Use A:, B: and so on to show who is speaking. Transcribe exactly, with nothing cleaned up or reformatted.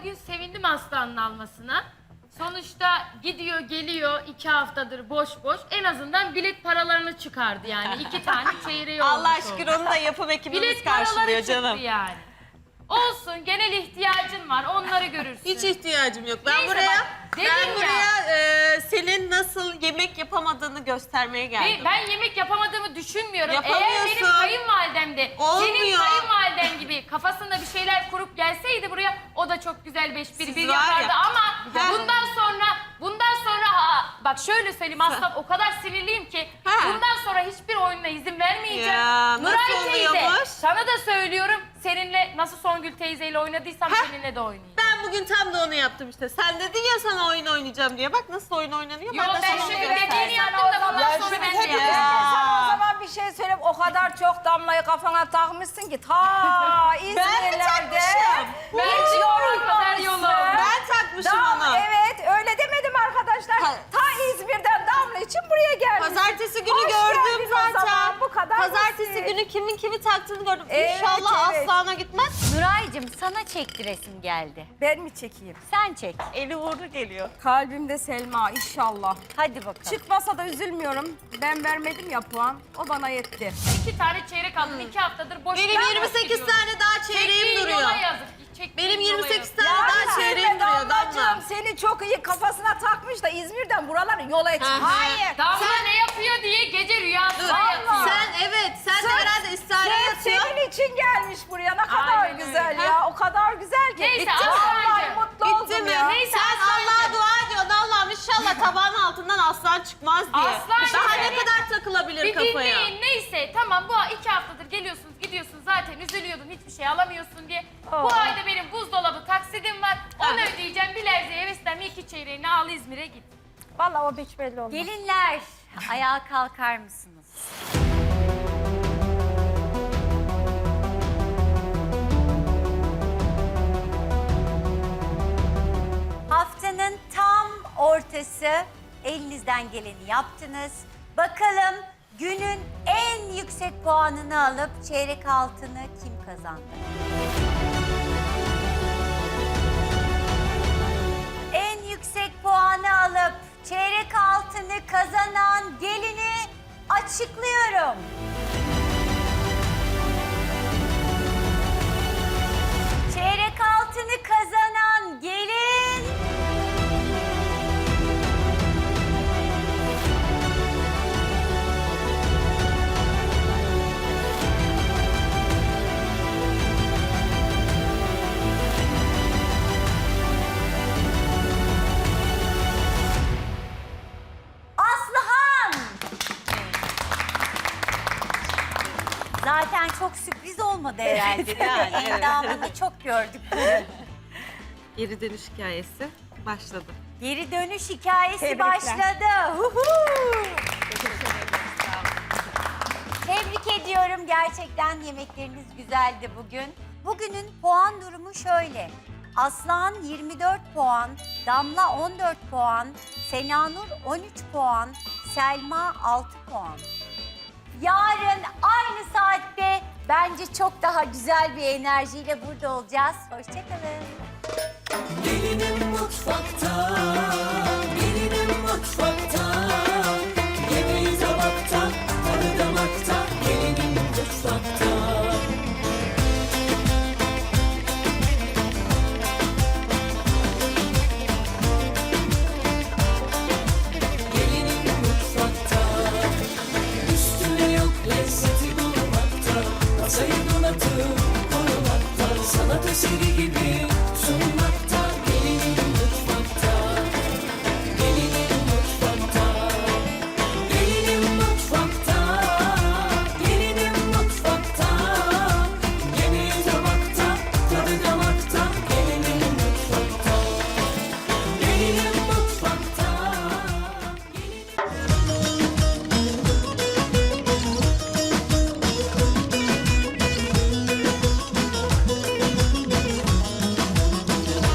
A: bugün sevindim Aslan'ın almasına. Sonuçta gidiyor geliyor iki haftadır boş boş. En azından bilet paralarını çıkardı yani. iki tane çeyreği olmuş
B: Allah şükür
A: oldu.
B: onu da yapım ekibimiz
A: Bilet paraları
B: karşılıyor
A: çıktı
B: canım.
A: yani. Olsun, genel ihtiyacın var, onları görürsün.
B: Hiç ihtiyacım yok. Ben
A: Neyse
B: buraya
A: bak,
B: ben
A: dedim ya.
B: buraya e, senin nasıl yemek yapamadığını göstermeye geldim.
A: Ve ben yemek yapamadığımı düşünmüyorum. Eğer
B: Yapamıyorsun.
A: benim kayınvalidem de senin
B: Olmuyor.
A: kayınvaliden gibi kafasında bir şeyler kurup gelseydi buraya, o da çok güzel beş bir
B: Siz
A: bir
B: var
A: yapardı
B: ya.
A: ama
B: Ben-
A: bundan sonra bundan sonra ha, bak şöyle söyleyeyim Aslan, o kadar sinirliyim ki
B: Ha.
A: bundan sonra hiçbir oyununa izin vermeyeceğim.
B: Ya, nasıl
A: Nuray teyze,
B: oluyormuş?
A: sana da söylüyorum, seninle nasıl Songül teyzeyle oynadıysam
B: Ha.
A: seninle de oynayacağım.
B: Ben bugün tam da onu yaptım işte. Sen dedin ya sana oyun oynayacağım diye. Bak nasıl oyun oynanıyor.
A: Yo,
B: de
A: ben
B: sana
A: şimdi
B: onu
A: dediğini
B: göstereceğim.
A: yaptım da bundan sonra ben de
C: Hepimiz
A: yapacağım.
C: sana o zaman bir şey söyleyeyim. O kadar çok damlayı kafana takmışsın ki ta İzmir'lerde
B: takmışım?
C: hiç
A: Ben kadar
C: yorulmamışsın.
A: yolum.
B: Ben takmışım
C: Dam-
B: onu.
C: Evet öyle demedim arkadaşlar.
B: Ha.
C: Ta İzmir'den Damla için buraya gelmişsin.
B: Pazartesi günü
C: Hoş
B: gördüm
C: geldin o
B: zaten.
C: zaman, bu kadar
B: Pazartesi
C: basit.
B: günü kimin kimi taktığını gördüm.
C: Evet,
B: İnşallah
C: evet.
B: Aslan'a gitmez.
D: Nuray'cığım sana çektiresim geldi.
C: Ben mi çekeyim?
D: Sen çek.
B: Eli uğurlu geliyor.
C: Kalbimde Selma inşallah.
D: Hadi bakalım.
C: Çıkmasa da üzülmüyorum. Ben vermedim ya puan. O bana yetti.
A: İki tane çeyrek aldım, iki haftadır boş.
B: Benim
A: Ben
B: yirmi sekiz
A: boş gidiyorum.
B: tane daha çeyreğim
A: Çektiğin
B: duruyor.
A: yola yazık. Çektiğin
B: Benim
A: yola
B: yirmi sekiz
A: yazık.
B: tane daha çeyreğim duruyor Damla.
C: Damlacığım seni çok iyi kafasına takmış da İzmir'den buraları yola et.
B: Hı hı.
C: Hayır.
A: Damla ne yapıyor diye gece rüyasında yatıyor.
B: Sen evet, sen de
C: Sırf-
B: herhalde istihare
C: Sırf
B: yatıyor.
C: senin için gelmiş buraya. Ne kadar
A: Aynen öyle.
C: güzel
B: Ha?
C: ya. O kadar güzel ki.
A: Neyse,
C: Bitti mi?
A: Aslancığım.
C: Vallahi mutlu
B: Bitti
C: oldum
B: mi?
C: ya.
A: Neyse,
B: Sen
A: Aslancığım.
B: Allah'a dua ediyorsun. Allah'ım inşallah tabağın altından aslan çıkmaz diye.
A: Aslan
B: Daha ne
A: şöyle-
B: kadar takılabilir
A: Bir
B: kafaya?
A: dinleyin, neyse tamam, bu iki haftadır geliyorsunuz gidiyorsunuz, zaten üzülüyordun hiçbir şey alamıyorsun diye.
C: Oh.
A: Bu ayda benim buzdolabı taksidim var, onu
B: Ha.
A: ödeyeceğim, Bilerze'ye heveslenme, iki çeyreğini al İzmir'e git.
C: Vallahi o hiç belli olmaz.
D: Gelinler ayağa kalkar mısınız? Haftanın tam ortası, elinizden geleni yaptınız. Bakalım günün en yüksek puanını alıp çeyrek altını kim kazandı? En yüksek puanı alıp çeyrek altını kazanan gelini açıklıyorum. Çeyrek altını kazanan gelin... Aslıhan! Zaten çok sürpriz olmadı herhalde.
B: Yani, evet.
D: Endamını çok gördük.
B: Geri dönüş hikayesi başladı.
D: Geri dönüş hikayesi
C: Tebrikler.
D: başladı. Huhu! Tebrik ediyorum. Gerçekten yemekleriniz güzeldi bugün. Bugünün puan durumu şöyle. Aslan yirmi dört puan, Damla on dört puan, Senanur on üç puan, Selma altı puan. Yarın aynı saatte bence çok daha güzel bir enerjiyle burada olacağız. Hoşçakalın.
E: Gelinim mutfakta, gelinim mutfakta. Yemeği tabakta, tadı damakta. Gelinim mutfakta. Gelinim mutfakta. Üstüne yok lezzeti bulmakta. Masayı donatıp korumakta. Sanat eseri gibi